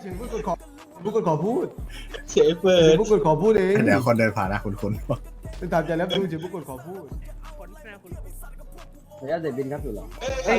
พูดกดขอพูดกดขอพูดเสียเปิดพูดกดขอพูดเองเดี๋ยวคนเดินผ่านนะคุณเป็นตามใจแล้วดูเฉยพูดกดขอพูดระยะเด็ดบินครับอยู่หรอ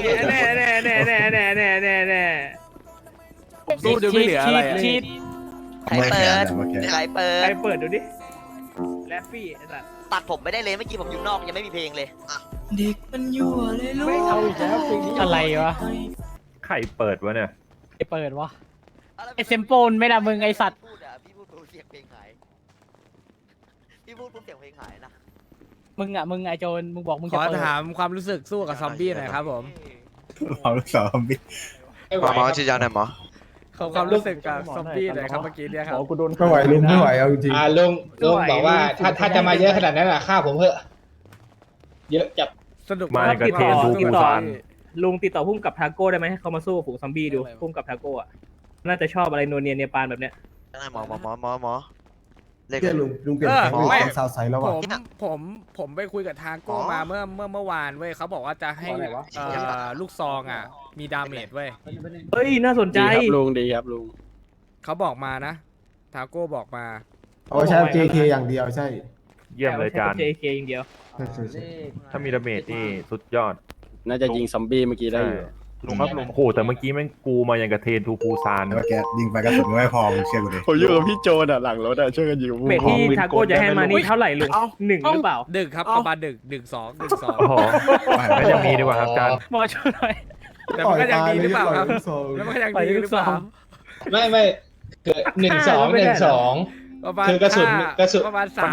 แน่ผมสู้จนไม่เหลืออะไรชีดใครเปิดใครเปิใครดเปิดดูดิแรฟฟี่ไอ้สัสตัดผมไม่ได้เลยเมื่อกี้ผมอยู่นอกยังไม่มีเพลงเลยอ่ะเด็กมันยั่วเลยลูกไม่เอาอีกแล้วเพลงนี้อะไรวะใครเปิดวะเนี่ยไอเปิดวะไอเซมโปนไม่ละมึงไอสัตว์พูดอ่ะพี่พูดปุ๊บเสียงเพลงหายพี่พูดปุ๊บเสียงเพลงหายนะมึงไอโจนมึงบอกมึงขจะอเปิดถามความรู้สึกสู้กับซอมบี้หน่อยครับผมเราลูกสาวบิ๊กหมอชี้ยาหน่อยหมอขอความรู้สึกกับซอมบี้หน่อยครับเมื่อกี้เนี่ยครับไม่ไหวลุงไม่ไหวเอาจริงลุงบอกว่าถ้าจะมาเยอะขนาดนั้นอ่ะฆ่าผมเถอะเยอะจับสนุกมากับเทนทูปูซานลุงติดต่อพุ่มกับทาโก้ได้ไหมให้เขามาสู้กับฝูงซอมบี้ดูพุ่มกับทาโก้อะน่าจะชอบอะไรโนเนียเนปาลแบบเนี้ยหมอเรียกเพื่อนลุงเปลี่ยนแผนเป็นสาวใสแล้วผว่ะผมไปคุยกับทาโก้มาเมื่อวานเว้ยเขาบอกว่าจะให้ลูกซองอ่ะมีดาเมจเว้ยเฮ้ยน่าสนใจลุงดีครับลุงเขาบอกมานะทาโก้บอกมาเอาใช้ JK อย่างเดียวใช่เยี่ยมเลยจานเจเคอย่างเดียวถ้ามีดาเมจนี่สุดยอดน่าจะยิงซอมบี้เมื่อกี้ได้อยู่ลุงครับลุงโอ้โหแต่เมื่อกี้แม่งกูมาอย่างกับเทนทูปูซานเมื่อกี้ยิงไปกระสุนไม่พอมึงเชื่อกูดิผมอยู่กับพี่โจนอ่ะหลังรถอ่ะช่วยกันยิงเมทที่ทาโก้จะให้มานี่เท่าไหร่ลุงหนึ่งหรือเปล่าดึกครับประมาณดึกสองโอ้โหไม่ยังมีดีกว่าครับจานหมอช่วยหน่อยแต่มันก็ยังดีหรือเปล่าครับแล้วมันก็ยังดีหรือเปล่าไม่คือ1-2 ประมาณคือกระสุนประมาณ3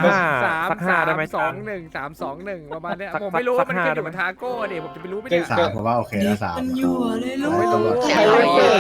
2-1 ประมาณเนี้ยผมไม่รู้ว่ามันขึ้นอยู่กับทาโก้ดิผมจะไปรู้ไหมเนี่ยสามผมว่าโอเคนะสามมันยั่วเลยลูกตำรวจใครเปิด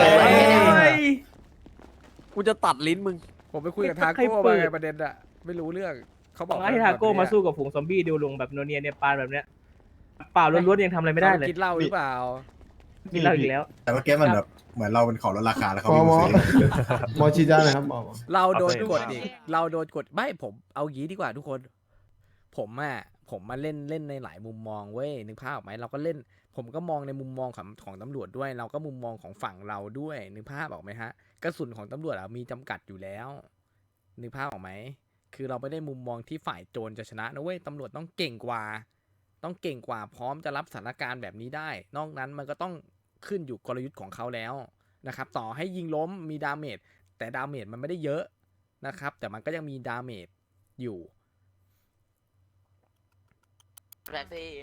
กูจะตัดลิ้นมึงผมไปคุยกับทาโก้มาไงประเด็นอะไม่รู้เรื่องเขาบอกให้ทาโก้มาสู้กับฝูงซอมบี้ดูลุงแบบโนเนียเนปาลแบบเนี้ยเปล่าล้วนๆยังทำอะไรไม่ได้เลยกินเหล้าหรือเปล่ากินเหล้าอีกแล้วแต่เมื่อกี้มันแบบเหมือนเราเป็นของลดราคาแล้วเขาหมอไม่ซื้อหมอชีด้าหน่อยครับหมอเราโดนกดอีกเราโดนกดไม่ผมเอางี้ดีกว่าทุกคน ผมมาเล่นในหลายมุมมองเว้ยนึกภาพออกไหมเราก็เล่น ผมก็มองในมุมมองของตำรวจด้วย เราก็มุมมองของฝั่งเราด้วยนึกภาพออกไหมฮะกระสุนของตำรวจมีจำกัดอยู่แล้วนึกภาพออกไหมคือเราไม่ได้มุมมองที่ฝ่ายโจรจะชนะนะเว้ยตำรวจต้องเก่งกว่าพร้อมจะรับสถานการณ์แบบนี้ได้ นอกนั้นมันก็ต้องขึ้นอยู่กลยุทธ์ของเขาแล้วนะครับต่อให้ยิงล้มมีดาเมจแต่ดาเมจมันไม่ได้เยอะนะครับแต่มันก็ยังมีดาเมจอยู่แรฟฟี่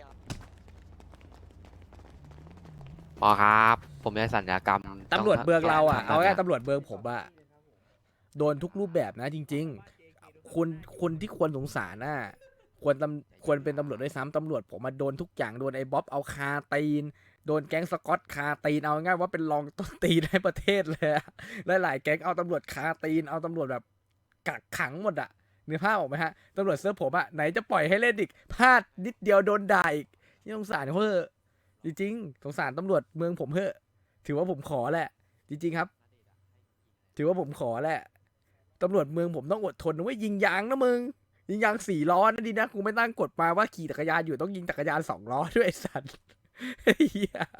พอครับผมได้สัญญากรรมตำรวจเบืองเราอ่ะเอาแค่ตำรวจเบืองผมอ่ะโดนทุกรูปแบบนะจริงๆคนที่ควรสงสารน่ะควรเป็นตำรวจด้วยซ้ำตำรวจผมมาโดนทุกอย่างโดนไอ้บ๊อบเอาคาตีนโดนแก๊งสกอตคาตีนเอาง่ายว่าเป็นรองต้นตีนในประเทศเลยหลายๆแก๊งเอาตำรวจคาตีนเอาตำรวจแบบกักขังหมดอ่ะนึกภาพออกไหมฮะตำรวจเซิร์ฟผมอ่ะไหนจะปล่อยให้เล่นอีกพลาดนิดเดียวโดนด่าอีกนี่สงสารเขาเถอะจริงๆสงสารตำรวจเมืองผมเถอะถือว่าผมขอแหละจริงๆครับถือว่าผมขอแหละตำรวจเมืองผมต้องอดทนนะเว้ยยิงยางนะมึงยิงยาง4 ล้อนะดีนะกูไม่ตั้งกฎมาว่าขี่จักรยานอยู่ต้องยิงจักรยาน2 ล้อด้วยไอ้สัตว์เฮีย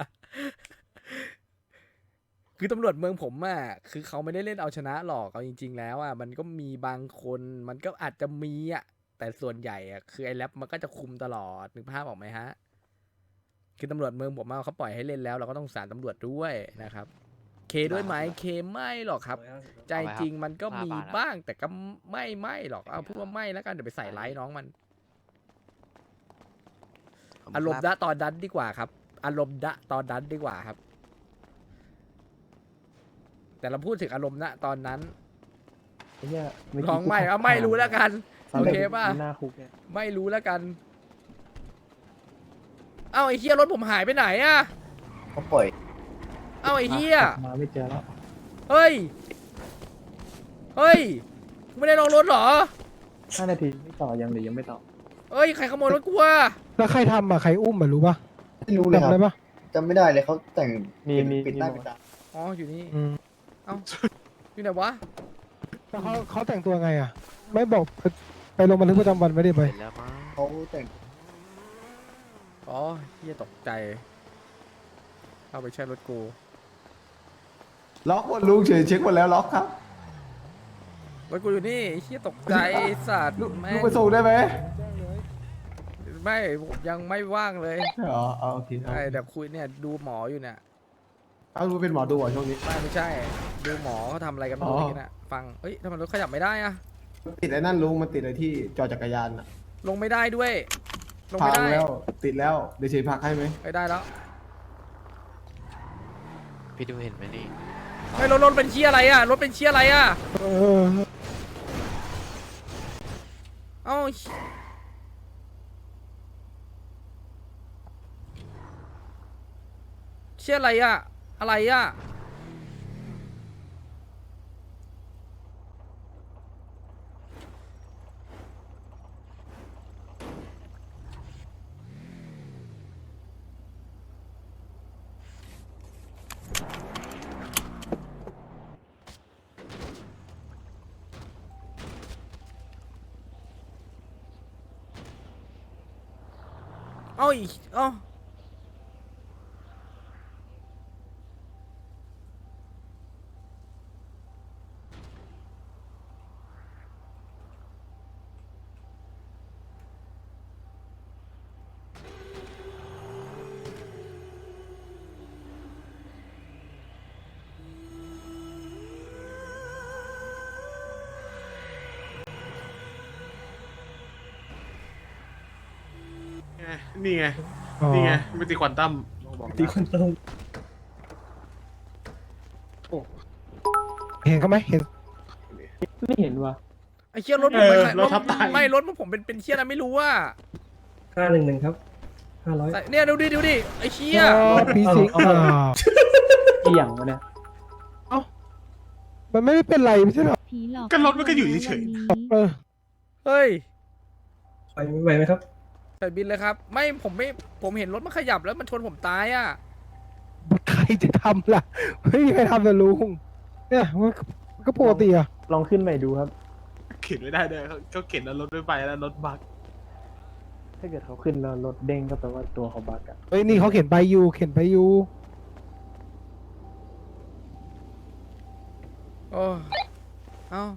คือตำรวจเมืองผมอ่ะคือเขาไม่ได้เล่นเอาชนะหรอกเอาจริงๆแล้วอ่ะมันก็มีบางคนมันก็อาจจะมีอ่ะแต่ส่วนใหญ่อ่ะคือไอ้แรปมันก็จะคุมตลอดนึกภาพออกไหมฮะคือตำรวจเมืองผมเขาปล่อยให้เล่นแล้วเราก็ต้องสารตำรวจด้วยนะครับเคด้วยไหมเคไม่หรอกครับใจจริงมันก็มีบ้างแต่ก็ไม่หรอกเอาพูดว่าไม่แล้วกันเดี๋ยวไปใส่ไลท์น้องมันอารมณ์ดะตอนนั้นดีกว่าครับอารมณ์ดะตอนนั้นดีกว่าครับแต่เราพูดถึงอารมณ์ณตอนนั้นลองไม่รู้แล้วกันโอเคป่ะไม่รู้แล้วกันเอ้าไอ้เฮียรถผมหายไปไหนอะเขาปล่อยเอ้าไอ้เฮียมาไม่เจอแล้วเฮ้ยไม่ได้ลองรถเหรอ 5 นาทีไม่ต่อยังหรือยังไม่ต่อเฮ้ยใครขโมยรถกูวะแล้วใครทำอ่ะใครอุ้มอ่ะรู้ป่ะไม่รู้เลยคจำรับได้ป่ะจำไม่ได้เลยเขาแต่งมีปิดหน้าปิดตาอ๋ออยู่นี่อืมเอ้าอยู่ไหนวะแล้วเขาแต่งตัวไงอ่ะ ไม่บอกไปลงบันทึกประจำวันไม่ได้ไปเห็นแล้วมั้งเขาแต่งอ๋อเฮียตกใจเข้าไปใช้รถกูล็อกหมดลุงเช็คหมดแล้วล็อกครับรถกูอยู่นี่ไอ้เหี้ยตกใจไอ้สัตว์ลุงแม่งไปส่งได้ไหมไม่ผมยังไม่ว่างเลยอ๋อโอเคไอ้เดี๋ยวคุยเนี่ยดูหมออยู่เนี่ยเอาลุงเป็นหมอดูเหรอช่วงนี้ไม่ใช่ดูหมอเขาทำอะไรกันอ๋เมื่ออกี้น่ะฟังเอ้ยทำไมรถขยับไม่ได้อะติดไอ้นั่นลุงมันติดไอ้ที่จอจักรยานอะลงไม่ได้ด้วย ลงพัไม่งได้แล้วติดแล้วเดี๋ยวเชยพักให้ไหมไม่ได้แล้วพี่ดูเห็นไหมนี่ไอ้ยรถเป็นเชี่ยอะไรอะรถเป็นเชี่ยอะไรอะเออเอ้าเชี่ยอะไรอะอะไรอะเอ้าอีกเอ้านี่ไงอ๋อนี่ไงไม่ตีควอนตัมตีควอนตัมเห็นเขาไหมเห็นไม่เห็นว่ะไอ้เชี่ยรถผมเป็นใครรถทับตายไม่รถผมเป็นเชี่ยอะไรไม่รู้ว่า 511ครับ500 เนี่ยดูดิไอ้เชี่ยปีสิงอ่ากี่อย่างวะเนี่ยมันไม่ได้เป็นไรไม่ใช่หรอผีหลอกก็รถมันก็อยู่เฉยเออเฮ้ยไปไหมครับใส่บินเลยครับ ไม่ผมเห็นรถมันขยับแล้วมันชนผมตายอ่ะใครจะทำล่ะไม่มีใครทำแต่ลุงเนี่ยมันก็ปกติอ่ะลองขึ้นใหม่ดูครับเข็นไม่ได้เลยเขาเข็นแล้วรถไม่ไปแล้วรถบักถ้าเกิดเขาขึ้นแล้วรถเด้งก็แปลว่าตัวเขาบักอะเฮ้ยนี่เขาเขียนใบยูเขียนใบยูโอ้เอ้า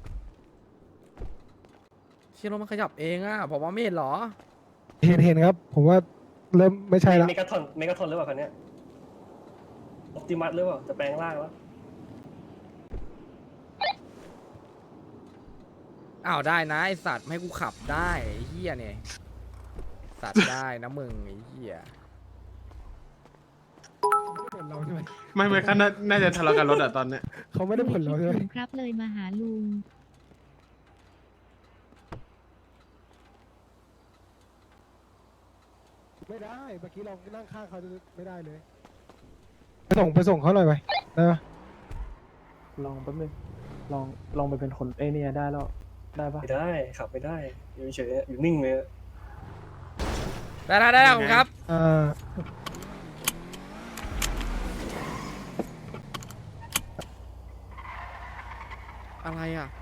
เชี่ยรถมันขยับเองอ่ะผมว่าไม่เห็นเหรอเห็นครับ ผมว่าเริ่มไม่ใช่ละเมกาทอนหรือเปล่าคันเนี้ยออปติมัสหรือเปล่าจะแปลงร่างแล้วอ้าวได้นะไอสัตว์ไม่ให้กูขับได้ไอ้เหี้ยเนี่ยสัตว์ได้นะมึงไอ้เหี้ยผลเราใช่ไหมไม่เขาน่าจะทะเลาะกันรถอะตอนเนี้ยเขาไม่ได้ผลเราใช่ไหมครับเลยมาหาลุงไม่ได้เมื่อกี้เรานั่งข้างเขาไม่ได้เลยไปส่งเขาหน่อยไปได้ปะลองแป๊บนึงลองไปเป็นคนเนี่ยได้แล้วได้ปะไม่ได้ขับไม่ได้อยู่เฉยอยู่นิ่งเลยได้ขอบคุณครับ อะไรอ่ะ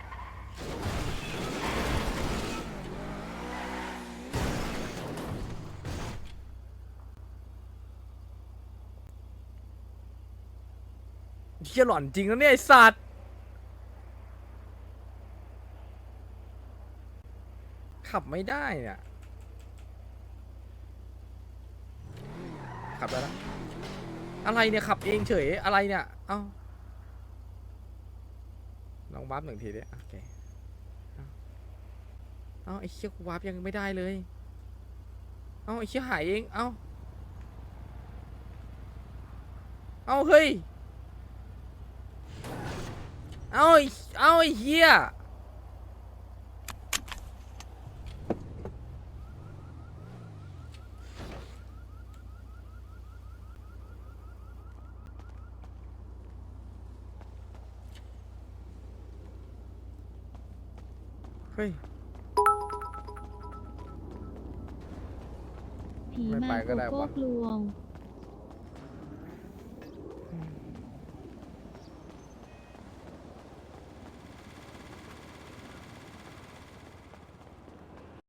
เชี่ยหล่อนจริงแล้วเนี่ยไอสัตว์ขับไม่ได้เนี่ยขับได้แล้วอะไรเนี่ยขับเองเฉยอะไรเนี่ยเอ้าลองวาร์ปหนึ่งทีดิโอเคเอ้าไอ้เชี่ยกูวาร์ปยังไม่ได้เลยเอ้าไอ้เชี่ยหายเองเอ้าเฮ้ยเอ้าไอ้เหี้ยเฮ้ยผีไม่มาไปก็โกได้โก้วะกลวง